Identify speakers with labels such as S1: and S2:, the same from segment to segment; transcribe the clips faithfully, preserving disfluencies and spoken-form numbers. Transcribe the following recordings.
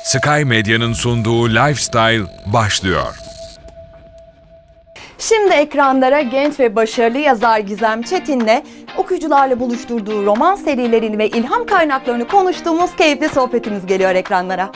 S1: Sky Medya'nın sunduğu Lifestyle başlıyor.
S2: Şimdi ekranlara genç ve başarılı yazar Gizem Çetin'le okuyucularla buluşturduğu roman serilerini ve ilham kaynaklarını konuştuğumuz keyifli sohbetimiz geliyor ekranlara.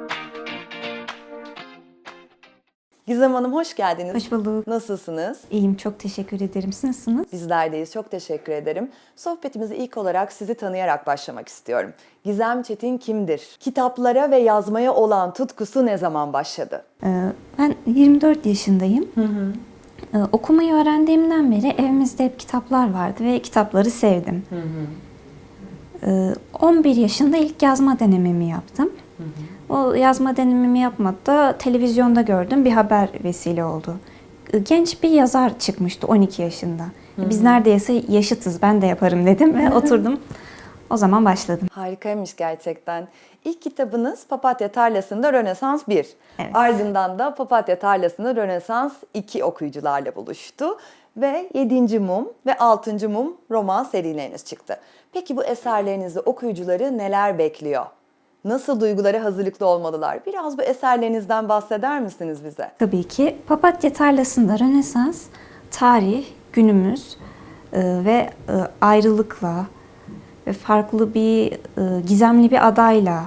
S2: Gizem Hanım hoş geldiniz.
S3: Hoş bulduk.
S2: Nasılsınız?
S3: İyiyim, çok teşekkür ederim. Siz nasılsınız?
S2: Bizler deyiz. Çok teşekkür ederim. Sohbetimize ilk olarak sizi tanıyarak başlamak istiyorum. Gizem Çetin kimdir? Kitaplara ve yazmaya olan tutkusu ne zaman başladı?
S3: Ee, ben yirmi dört yaşındayım. Hı hı. Ee, okumayı öğrendiğimden beri evimizde hep kitaplar vardı ve kitapları sevdim. Hı hı. Ee, on bir yaşında ilk yazma denememi yaptım. Hı hı. O yazma denememi yapmadı, televizyonda gördüm, bir haber vesile oldu. Genç bir yazar çıkmıştı on iki yaşında. Hı hı. Biz neredeyse yaşıtız, ben de yaparım dedim ve oturdum. O zaman başladım.
S2: Harikaymış gerçekten. İlk kitabınız Papatya Tarlası'nda Rönesans bir.
S3: Evet.
S2: Ardından da Papatya Tarlası'nda Rönesans iki okuyucularla buluştu. Ve yedinci Mum ve altıncı Mum roman serileriniz çıktı. Peki bu eserlerinizde okuyucuları neler bekliyor? Nasıl duygulara hazırlıklı olmalılar? Biraz bu eserlerinizden bahseder misiniz bize?
S3: Tabii ki. Papatya Tarlası'nda Rönesans, tarih, günümüz e, ve e, ayrılıkla ve farklı bir, e, gizemli bir adayla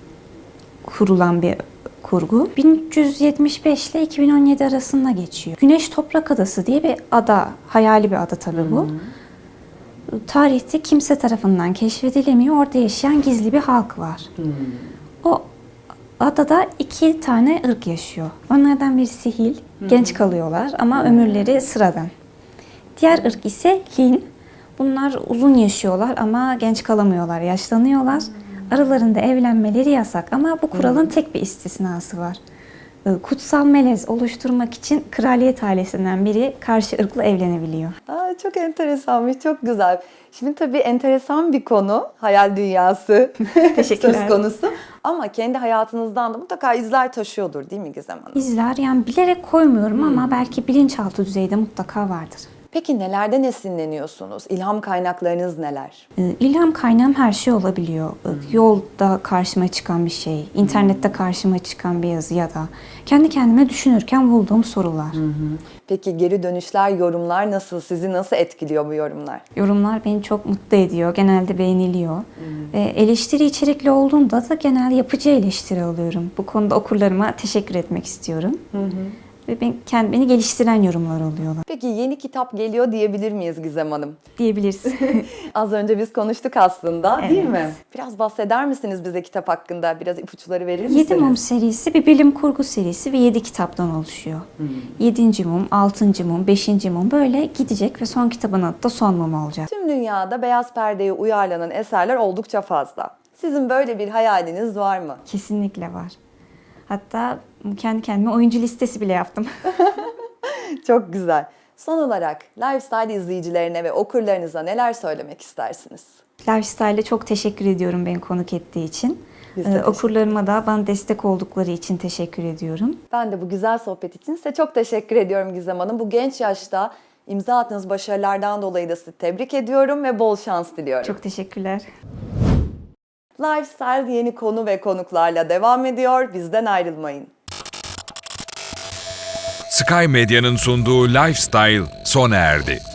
S3: kurulan bir kurgu. bin üç yüz yetmiş beş ile iki bin on yedi arasında geçiyor. Güneş Toprak Adası diye bir ada, hayali bir ada tabii bu. Hmm. Tarihte kimse tarafından keşfedilemiyor, orada yaşayan gizli bir halk var. Hmm. O adada iki tane ırk yaşıyor. Onlardan birisi Hil, hmm. genç kalıyorlar ama hmm. ömürleri sıradan. Diğer ırk ise Hin. Bunlar uzun yaşıyorlar ama genç kalamıyorlar, yaşlanıyorlar. Aralarında evlenmeleri yasak ama bu kuralın tek bir istisnası var. Kutsal melez oluşturmak için kraliyet ailesinden biri karşı ırkla evlenebiliyor.
S2: Aa, çok enteresanmış, çok güzel. Şimdi tabii enteresan bir konu, hayal dünyası söz konusu. Ama kendi hayatınızdan da mutlaka izler taşıyordur değil mi Gizem Hanım?
S3: İzler, yani bilerek koymuyorum hmm. ama belki bilinçaltı düzeyde mutlaka vardır.
S2: Peki nelerden esinleniyorsunuz? İlham kaynaklarınız neler?
S3: İlham kaynağım her şey olabiliyor. Hmm. Yolda karşıma çıkan bir şey, internette karşıma çıkan bir yazı ya da kendi kendime düşünürken bulduğum sorular.
S2: Hmm. Peki geri dönüşler, yorumlar nasıl? Sizi nasıl etkiliyor bu yorumlar?
S3: Yorumlar beni çok mutlu ediyor. Genelde beğeniliyor. Hmm. Ve eleştiri içerikli olduğunda da genelde yapıcı eleştiri alıyorum. Bu konuda okurlarıma teşekkür etmek istiyorum. Hmm. Ve ben, kendi, beni geliştiren yorumlar oluyorlar.
S2: Peki yeni kitap geliyor diyebilir miyiz Gizem Hanım?
S3: Diyebiliriz.
S2: Az önce biz konuştuk aslında,
S3: evet.
S2: değil mi? Biraz bahseder misiniz bize kitap hakkında? Biraz ipuçları verir misiniz?
S3: Yedi Mum serisi bir bilim kurgu serisi ve yedi kitaptan oluşuyor. Hmm. Yedinci Mum, altıncı Mum, beşinci Mum böyle gidecek ve son kitabın adı da Son Mum olacak.
S2: Tüm dünyada beyaz perdeye uyarlanan eserler oldukça fazla. Sizin böyle bir hayaliniz var mı?
S3: Kesinlikle var. Hatta kendi kendime oyuncu listesi bile yaptım.
S2: Çok güzel. Son olarak Lifestyle izleyicilerine ve okurlarınıza neler söylemek istersiniz?
S3: Lifestyle'e çok teşekkür ediyorum beni konuk ettiği için. Ee, okurlarıma da bana destek oldukları için teşekkür ediyorum.
S2: Ben de bu güzel sohbet için size çok teşekkür ediyorum Gizem Hanım. Bu genç yaşta imza attığınız başarılardan dolayı da sizi tebrik ediyorum ve bol şans diliyorum.
S3: Çok teşekkürler.
S2: Lifestyle yeni konu ve konuklarla devam ediyor. Bizden ayrılmayın.
S1: Sky Medya'nın sunduğu Lifestyle sona erdi.